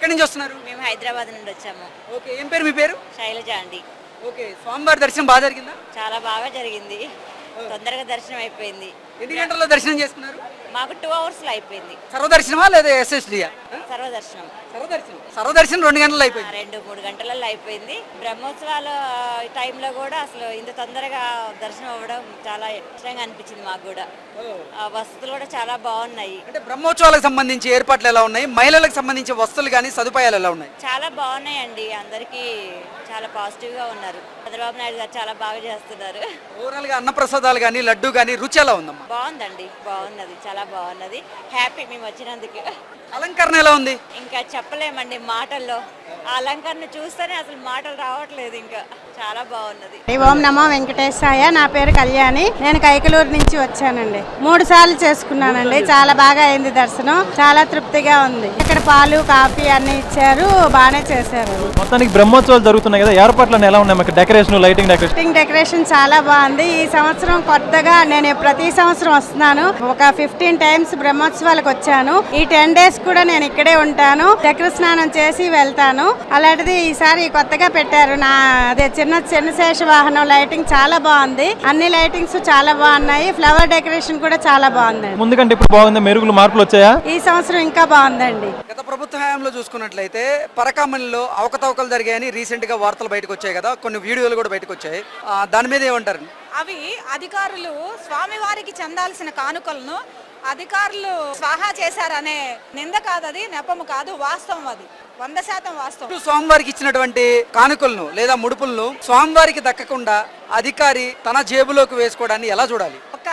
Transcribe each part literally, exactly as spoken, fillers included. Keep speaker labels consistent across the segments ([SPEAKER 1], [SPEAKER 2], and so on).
[SPEAKER 1] ఎక్కడి నుంచి వస్తున్నారు?
[SPEAKER 2] మేము హైదరాబాద్ నుండి వచ్చాము.
[SPEAKER 1] ఓకే, ఏం పేరు మీ పేరు?
[SPEAKER 2] శైలజ అండి.
[SPEAKER 1] ఓకే, స్వామివారి దర్శనం బాగా జరిగిందా?
[SPEAKER 2] చాలా బాగా జరిగింది. తొందరగా దర్శనం అయిపోయింది.
[SPEAKER 1] ఎన్ని గంటల్లో దర్శనం చేసుకున్నారు?
[SPEAKER 2] మాకు టూ అవర్స్ లో అయిపోయింది.
[SPEAKER 1] సర్వదర్శనమా లేదా ఎస్ఎస్డియా?
[SPEAKER 2] సర్వదర్శనం.
[SPEAKER 1] సర్వదర్శనం సర్వదర్శనం రెండు గంటల్లో
[SPEAKER 2] ఆ,
[SPEAKER 1] అయిపోయింది.
[SPEAKER 2] రెండు మూడు గంటలలో అయిపోయింది. బ్రహ్మోత్సవాల టైంలో కూడా అసలు ఇంత తొందరగా దర్శనం అవ్వడం చాలా ఇష్టంగా అనిపించింది మాకు కూడా. ఆ వసతులు కూడా చాలా బాగున్నాయి.
[SPEAKER 1] అంటే బ్రహ్మోత్సవాలకు సంబంధించి ఏర్పాట్లు ఎలా ఉన్నాయి? మహిళలకు సంబంధించి వస్తువులు కానీ సదుపాయాలు ఎలా ఉన్నాయి?
[SPEAKER 2] చాలా బాగున్నాయండి. అందరికీ చాలా పాజిటివ్ గా ఉన్నారు. చంద్రబాబు నాయుడు గారు చాలా బాగా చేస్తున్నారు.
[SPEAKER 1] ఓవరాల్ గా అన్నప్రసాదాలు కానీ లడ్డు కానీ రుచి ఎలా ఉందమ్మా?
[SPEAKER 2] బాగుందండి, బాగున్నది, చాలా బాగున్నది. హ్యాపీ మేము వచ్చినందుకు.
[SPEAKER 1] అలంకరణ ఎలా ఉంది?
[SPEAKER 2] ఇంకా చెప్పలేమండి మాటల్లో. ఆ అలంకరణ చూస్తేనే అసలు మాటలు రావట్లేదు. ఇంకా చాలా బాగున్నది.
[SPEAKER 3] ఓం నమో వెంకటేశాయ. నా పేరు కళ్యాణి. నేను కైకలూరు నుంచి వచ్చానండి. మూడు సార్లు చేసుకున్నానండి. చాలా బాగా అయింది దర్శనం. చాలా తృప్తిగా ఉంది. ఇక్కడ పాలు కాఫీ అన్ని ఇచ్చారు, బాగానే చేశారు.
[SPEAKER 4] మొత్తానికి బ్రహ్మోత్సవాలు జరుగుతున్నాయి కదా, ఏర్పాట్లు ఎలా ఉన్నాయి? మాకు decoration, lighting decoration
[SPEAKER 3] lighting decoration చాలా బాగుంది. ఈ సంవత్సరం కొత్తగా నేను ప్రతి సంవత్సరం వస్తున్నాను. ఒక ఫిఫ్టీన్ టైమ్స్ బ్రహ్మోత్సవాలకు వచ్చాను. ఈ టెన్ డేస్ కూడా నేను ఇక్కడే ఉంటాను. చక్ర స్నానం చేసి వెళ్తాను. అలాంటిది ఈసారి కొత్తగా పెట్టారు. నా అదే చిన్న చిన్న శేష వాహనం లైటింగ్ చాలా బాగుంది. అన్ని లైటింగ్స్ చాలా బాగున్నాయి. ఫ్లవర్ డెకరేషన్ కూడా చాలా బాగుందండి.
[SPEAKER 4] ముందు కంటే ఇప్పుడు బాగుంది. మెరుగులు, మార్పులు వచ్చాయా?
[SPEAKER 3] ఈ సంవత్సరం ఇంకా బాగుందండి.
[SPEAKER 1] గత ప్రభుత్వ హయాంలో చూసుకున్నట్లయితే పరకామణిలో అవకతవకలు జరిగాయని రీసెంట్ గా వార్తలు బయటకు వచ్చాయి కదా, కొన్ని వీడియోలు కూడా బయటకు వచ్చాయి. ఆ, దాని మీద ఏమంటారు?
[SPEAKER 5] అవి అధికారులు స్వామివారికి చెందాల్సిన కానుకలను అధికారులు స్వాహా చేశారనే నింద కాదు, అది నెపము కాదు, వాస్తవం. అది వంద శాతం వాస్తవం.
[SPEAKER 1] స్వామివారికి ఇచ్చినటువంటి కానుకలను లేదా ముడుపులను స్వామివారికి దక్కకుండా అధికారి తన జేబులోకి వేసుకోవడాన్ని ఎలా చూడాలి?
[SPEAKER 5] ఒక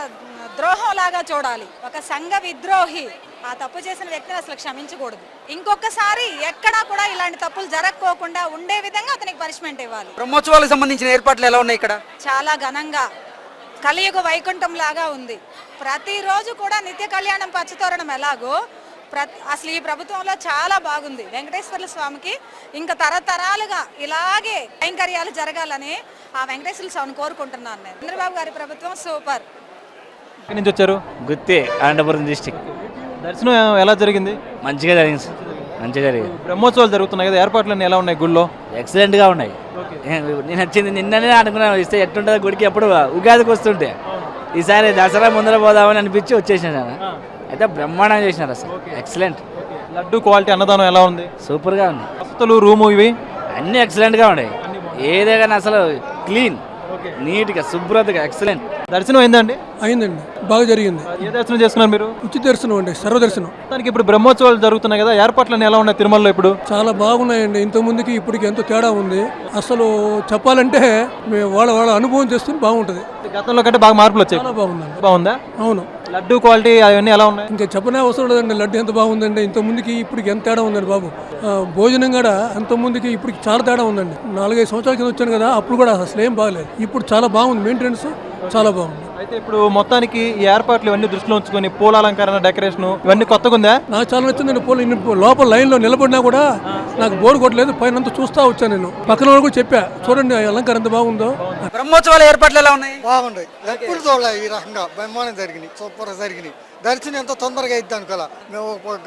[SPEAKER 5] ద్రోహం లాగా చూడాలి. ఒక సంఘ విద్రోహి ఆ తప్పు చేసిన వ్యక్తిని అసలు క్షమించకూడదు. ఇంకొకసారి ఎక్కడా కూడా ఇలాంటి తప్పులు జరగకోకుండా ఉండే విధంగా అతనికి పనిష్మెంట్ ఇవ్వాలి.
[SPEAKER 1] బ్రహ్మోత్సవాలకు సంబంధించిన ఏర్పాట్లు ఎలా ఉన్నాయి ఇక్కడ?
[SPEAKER 5] చాలా ఘనంగా కలియుగ వైకుంఠం లాగా ఉంది. ప్రతిరోజు కూడా నిత్య కళ్యాణం పచ్చతోరణం ఎలాగో ప్రతి అసలు ఈ ప్రభుత్వంలో చాలా బాగుంది. వెంకటేశ్వర స్వామికి ఇంకా తరతరాలుగా ఇలాగే కైంకర్యాలు జరగాలని ఆ వెంకటేశ్వర స్వామిని కోరుకుంటున్నాను నేను. చంద్రబాబు గారి ప్రభుత్వం సూపర్.
[SPEAKER 4] ఎక్కడి నుంచి వచ్చారు?
[SPEAKER 6] గుత్తి, అనంతపురం డిస్టిక్.
[SPEAKER 4] దర్శనం ఎలా జరిగింది?
[SPEAKER 6] మంచిగా జరిగింది, మంచిగా జరిగింది.
[SPEAKER 4] బ్రహ్మోత్సవాలు జరుగుతున్నాయి కదా, ఏర్పాట్లన్నీ ఎలా ఉన్నాయి గుళ్ళో?
[SPEAKER 6] ఎక్సలెంట్గా ఉన్నాయి. నేను వచ్చింది నిన్ననే అనుకున్నాను, ఇస్తే ఎట్టుంటుందో గుడికి. ఎప్పుడు ఉగాదికి వస్తుంటే ఈసారి దసరా ముందర పోదామని అనిపించి వచ్చేసాను. అయితే బ్రహ్మాండంగా చేసినారు అసలు, ఎక్సలెంట్.
[SPEAKER 4] లడ్డు క్వాలిటీ, అన్నదానం ఎలా ఉంది?
[SPEAKER 6] సూపర్గా ఉంది.
[SPEAKER 4] వసతులు, రూము ఇవి
[SPEAKER 6] అన్నీ ఎక్సలెంట్గా ఉన్నాయి. ఏదైనా అసలు క్లీన్, నీట్గా, శుభ్రతగా, ఎక్సలెంట్.
[SPEAKER 4] దర్శనం అయిందండి?
[SPEAKER 7] అయిందండి, బాగా జరిగింది.
[SPEAKER 4] ఏ దర్శనం చేసుకున్నారు మీరు?
[SPEAKER 7] ఉచిత దర్శనం అండి, సర్వదర్శనం.
[SPEAKER 4] దానికి ఇప్పుడు బ్రహ్మోత్సవాలు జరుగుతున్నాయి కదా, ఏర్పాట్లన్నీ ఎలా ఉన్నాయి తిరుమలలో ఇప్పుడు?
[SPEAKER 7] చాలా బాగున్నాయండి. ఇంత ముందుకి ఇప్పటికి ఎంతో తేడా ఉంది. అసలు చెప్పాలంటే మేము వాళ్ళ వాళ్ళ అనుభవం చేస్తుంది బాగుంటుంది.
[SPEAKER 4] గతంలో కంటే బాగా మార్పులు వచ్చాయి.
[SPEAKER 7] చాలా బాగుందండి.
[SPEAKER 4] బాగుందా?
[SPEAKER 7] అవును.
[SPEAKER 4] లడ్డు క్వాలిటీ అవన్నీ ఎలా ఉన్నాయి?
[SPEAKER 7] ఇంకా చెప్పనే అవసరం లేదండి. లడ్డు ఎంత బాగుందండి. ఇంత ముందుకి ఇప్పటికి ఎంత తేడా ఉందండి బాబు. భోజనం కూడా అంత ముందుకి ఇప్పటికి చాలా తేడా ఉందండి. నాలుగైదు సంవత్సరాల కింద వచ్చాను కదా, అప్పుడు కూడా అసలు ఏం బాగలేదు. ఇప్పుడు చాలా బాగుంది, మెయింటెనెన్స్ చాలా బాగుంది.
[SPEAKER 4] అయితే ఇప్పుడు మొత్తానికి ఈ ఏర్పాట్లు ఇవన్నీ దృష్టిలో ఉంచుకొని పూల అలంకరణ, డెకరేషన్ ఇవన్నీ కొత్తగా ఉందా?
[SPEAKER 7] నాకు చాలా నచ్చిందండి. పూల లోపల లైన్ లో నిలబడినా కూడా నాకు బోర్ కొట్టలేదు. పైన అంతా చూస్తా వచ్చాను నేను. పక్కన వాళ్ళు కూడా చెప్పా, చూడండి అలంకారం ఎంత బాగుందో.
[SPEAKER 1] బ్రహ్మోత్సవాల ఏర్పాట్లు ఎలా ఉన్నాయి?
[SPEAKER 8] బాగుంటాయి. ఎప్పుడు చూడలే ఈ రకంగా బ్రహ్మాండం జరిగినాయి, సూపర్ జరిగినాయి. దర్శనం ఎంతో తొందరగా అయిద్ది అనుకోలే. మేము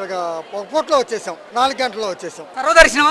[SPEAKER 8] ఒక పూటలో వచ్చేసాం, నాలుగు గంటల్లో వచ్చేసాం.
[SPEAKER 1] సర్వదర్శనం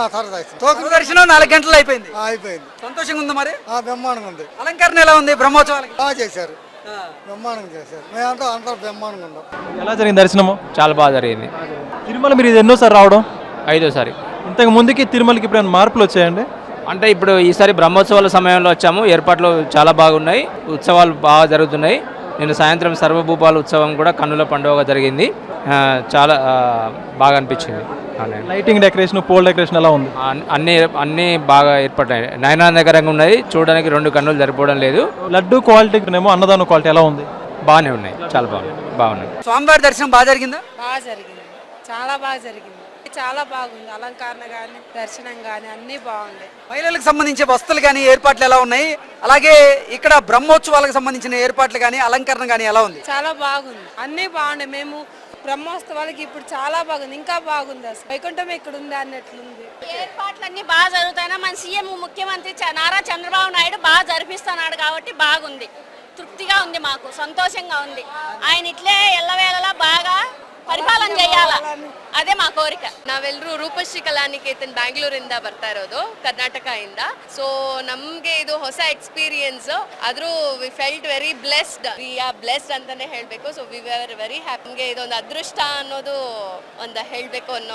[SPEAKER 1] సర్వదర్శనం నాలుగు గంటలు అయిపోయింది.
[SPEAKER 8] అయిపోయింది.
[SPEAKER 1] సంతోషంగా ఉంది. మరి
[SPEAKER 8] బ్రహ్మాండంగా ఉంది.
[SPEAKER 1] అలంకరణ ఎలా ఉంది? బ్రహ్మోత్సవాలకి
[SPEAKER 8] బాగా చేశారు, బ్రహ్మాండంగా చేశారు. మేమంతా అందరూ బ్రహ్మాండంగా ఉన్నాం.
[SPEAKER 4] ఎలా జరిగింది దర్శనము?
[SPEAKER 9] చాలా బాగా జరిగింది.
[SPEAKER 4] తిరుమల మీరు ఇది ఎన్నోసారి రావడం?
[SPEAKER 9] ఐదోసారి.
[SPEAKER 4] ఇంతకు ముందుకి తిరుమలకి ఇప్పుడు మార్పులు వచ్చాయండి?
[SPEAKER 9] అంటే ఇప్పుడు ఈసారి బ్రహ్మోత్సవాల సమయంలో వచ్చాము. ఏర్పాట్లు చాలా బాగున్నాయి, ఉత్సవాలు బాగా జరుగుతున్నాయి. నేను సాయంత్రం సర్వభూపాల ఉత్సవం కూడా కన్నుల పండుగ జరిగింది. చాలా బాగా అనిపించింది.
[SPEAKER 4] లైటింగ్ డెకరేషన్, పోల్ డెకరేషన్ ఎలా ఉంది?
[SPEAKER 9] అన్ని అన్ని బాగా ఏర్పడ్డాయి, నయనానందకరంగా ఉన్నాయి. చూడడానికి రెండు కన్నులు సరిపోవడం లేదు.
[SPEAKER 4] లడ్డు క్వాలిటీ ఏమో, అన్నదానం క్వాలిటీ ఎలా ఉంది?
[SPEAKER 9] బాగానే ఉన్నాయి, చాలా బాగున్నాయి, బాగున్నాయి.
[SPEAKER 1] స్వామివారి దర్శనం బాగా జరిగిందా?
[SPEAKER 5] బాగా జరిగింది, చాలా బాగా జరిగింది. చాలా బాగుంది. అలంకరణ కానీ దర్శనం కానీ అన్నీ బాగుంది.
[SPEAKER 1] మహిళలకు సంబంధించిన వస్తువులు కానీ ఏర్పాట్లు ఎలా ఉన్నాయి? అలాగే ఇక్కడ బ్రహ్మోత్సవాలకు సంబంధించిన ఏర్పాట్లు కానీ అలంకరణ కానీ ఎలా ఉంది?
[SPEAKER 5] చాలా బాగుంది, అన్నీ బాగుంది. మేము బ్రహ్మోత్సవాలకి ఇప్పుడు చాలా బాగుంది, ఇంకా బాగుంది. అసలు వైకుంఠం ఇక్కడ ఉంది అన్నట్లుంది.
[SPEAKER 10] ఏర్పాట్లన్నీ బాగా జరుగుతాయినా మన సీఎం ముఖ్యమంత్రి నారా చంద్రబాబు నాయుడు బాగా జరిపిస్తున్నాడు కాబట్టి బాగుంది, తృప్తిగా ఉంది, మాకు సంతోషంగా ఉంది. ఆయన ఇట్లే ఎల్లవేళలా బాగా ಪರಿಪಾಲನೆ చేయాల ಅದೇ మా ಕೋರಿಕೆ.
[SPEAKER 11] ನಾವೆಲ್ಲರೂ ರೂಪಶ್ರೀ ಕಲಾನಿಕೇತನ್ ಬ್ಯಾಂಗ್ಳೂರಿಂದ ಬರ್ತಾ ಇರೋದು, ಕರ್ನಾಟಕ ಇಂದ. ಸೊ ನಮ್ಗೆ ಇದು ಹೊಸ ಎಕ್ಸ್ಪೀರಿಯನ್ಸ್, ಆದ್ರೂ we felt very blessed, we are blessed ಅಂತಾನೆ ಹೇಳ್ಬೇಕು. So we are very happy. ನಮ್ಗೆ ಇದೊಂದು ಅದೃಷ್ಟ ಅನ್ನೋದು ಒಂದು ಹೇಳ್ಬೇಕು ಅನ್ನೋ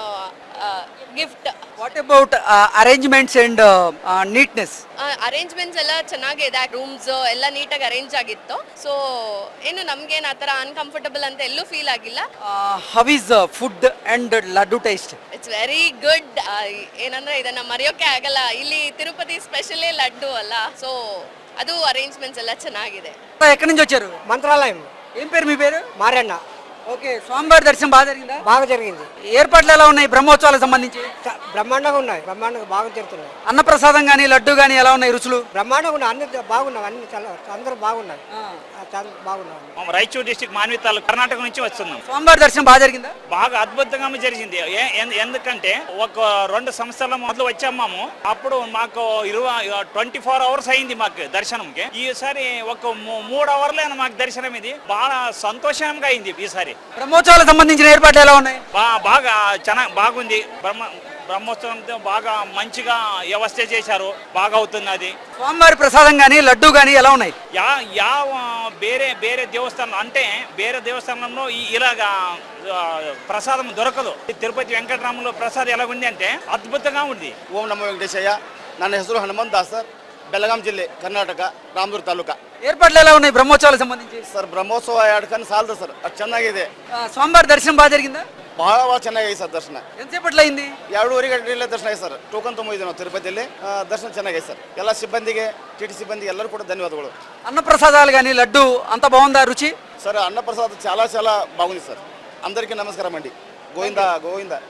[SPEAKER 11] gift.
[SPEAKER 1] What about arrangements and neatness?
[SPEAKER 11] Arrangements ಎಲ್ಲ ಚೆನ್ನಾಗಿದೆ, ರೂಮ್ಸ್ ಎಲ್ಲ ನೀಟಾಗಿ ಅರೇಂಜ್ ಆಗಿತ್ತು. ಸೊ ಏನು ನಮ್ಗೇನು ಆ ಥರ ಅನ್ಕಂಫರ್ಟಬಲ್ ಅಂತ ಎಲ್ಲೂ ಫೀಲ್ ಆಗಿಲ್ಲ.
[SPEAKER 1] How is food and laddu taste?
[SPEAKER 11] It's very good. ಏನಂದ್ರೆ ಇದನ್ನ ಮರೆಯೋಕೆ ಆಗಲ್ಲ, ಇಲ್ಲಿ తిరుపతి స్పెషలే లడ్డు అಲ್ಲ. సో ಅದು అరేంజ్మెంట్స్ ಎಲ್ಲ ಚೆನ್ನಾಗಿದೆ.
[SPEAKER 1] ఎక్కడి నుంచి వచ్చారు?
[SPEAKER 12] మంత్రాలయం.
[SPEAKER 1] ఏం పేరు మీ పేరు?
[SPEAKER 12] మారన్న.
[SPEAKER 1] ఓకే, స్వామివారి దర్శనం బాగా జరిగిందా?
[SPEAKER 12] బాగా జరిగింది.
[SPEAKER 1] ఏర్పాట్లు ఎలా ఉన్నాయి బ్రహ్మోత్సవాలకు సంబంధించి?
[SPEAKER 12] బ్రహ్మాండంగా ఉన్నాయి, బ్రహ్మాండంగా బాగా జరుగుతున్నాయి.
[SPEAKER 1] అన్నప్రసాదం కానీ లడ్డు కానీ ఎలా ఉన్నాయి రుచులు?
[SPEAKER 12] బ్రహ్మాండంగా ఉన్నాయి, అన్ని బాగున్నాయి, అన్ని చాలా అందరూ బాగున్నారు, చాలా బాగున్నారు.
[SPEAKER 13] రాయచూర్ డిస్ట్రిక్ట్ మాన్వితాలు కర్ణాటక నుంచి వస్తున్నాం.
[SPEAKER 1] స్వామివారి దర్శనం బాగా జరిగిందా?
[SPEAKER 13] బాగా అద్భుతంగా జరిగింది. ఏ- ఎందు- ఎందుకంటే ఒక రెండు సంవత్సరాల మొదలు వచ్చాము, అప్పుడు మాకు ఇరవై ట్వంటీ ఫోర్ అవర్స్ అయింది మాకు దర్శనంకి. ఈసారి ఒక మూ- మూడు అవర్లే మాకు దర్శనం. ఇది బాగా సంతోషంగా అయింది ఈసారి.
[SPEAKER 1] బ్రహ్మోత్సవాలకు సంబంధించిన ఏర్పాట్లు ఎలా ఉన్నాయి?
[SPEAKER 13] బా- బాగా చాలా బాగుంది. బ్రహ్మ బ్రహ్మోత్సవంతో బాగా మంచిగా వ్యవస్థ చేశారు, బాగా అవుతున్నది.
[SPEAKER 1] స్వామివారి ప్రసాదం కానీ లడ్డు కానీ ఎలా ఉన్నాయి?
[SPEAKER 13] యా యా ಬೇರೆ ಬೇರೆ ದೇವಸ್ಥಾನ అంటే ಬೇರೆ దేవస్థానంలో ఈ- ఇలాగా ఆ, ప్రసాదం దొరకదు. ఈ తిరుపతి వెంకటరాములో ప్రసాదం ఎలాగుంది అంటే అద్భుతంగా ఉంది.
[SPEAKER 14] ಓಂ ನಮೋ ವೆಂಕಟೇಶಯ್ಯ. ನನ್ನ ಹೆಸರು ಹನುಮಂತ್ ದಾಸ್ ಸರ್, ಬೆಳಗಾಂ ಜಿಲ್ಲೆ, ಕರ್ನಾಟಕ, ರಾಮದುರ್ಗ ತಾಲೂಕ.
[SPEAKER 1] ఏర్పాట్లు ఎలా ఉన్నాయి బ్రహ్మోత్సవాలకు సంబంధించి?
[SPEAKER 14] ಸರ್ ಬ್ರಹ್ಮೋತ್ಸವ ಎರಡು ಕಣ್ಣು ಸಾಲದು ಸರ್, ಅಷ್ಟು ಚೆನ್ನಾಗಿದೆ.
[SPEAKER 1] ఆ, స్వామివారి దర్శనం బాగా జరిగిందా?
[SPEAKER 14] ಬಹಳ ಭಾಳ ಚೆನ್ನಾಗಿದೆ ಸರ್ ದರ್ಶನ.
[SPEAKER 1] ఎంతసేపట్లో అయింది?
[SPEAKER 14] ಎರಡೂವರೆ ಗಂಟೆಯಲ್ಲೇ ದರ್ಶನ ಆಗಿದೆ ಸರ್. ಟೋಕನ್ ತೊಗೊಂಡಿದ್ದೀವಿ ನಾವು ತಿರುಪತಿಯಲ್ಲಿ. ಆ, ದರ್ಶನ ಚೆನ್ನಾಗಿದೆ ಸರ್. ಎಲ್ಲ ಸಿಬ್ಬಂದಿಗೆ, ಟಿ ಟಿ ಸಿಬ್ಬಂದಿಗೆ ಎಲ್ಲರೂ ಕೂಡ ಧನ್ಯವಾದಗಳು.
[SPEAKER 1] అన్నప్రసాదాలు కానీ లడ్డు అంత బాగుందా రుచి?
[SPEAKER 14] ಸರ್ ಅನ್ನಪ್ರಸಾದ చాలా చాలా బాగుంది సార్. అందరికీ నమస్కారం అండి. గోవిందా గోవిందా.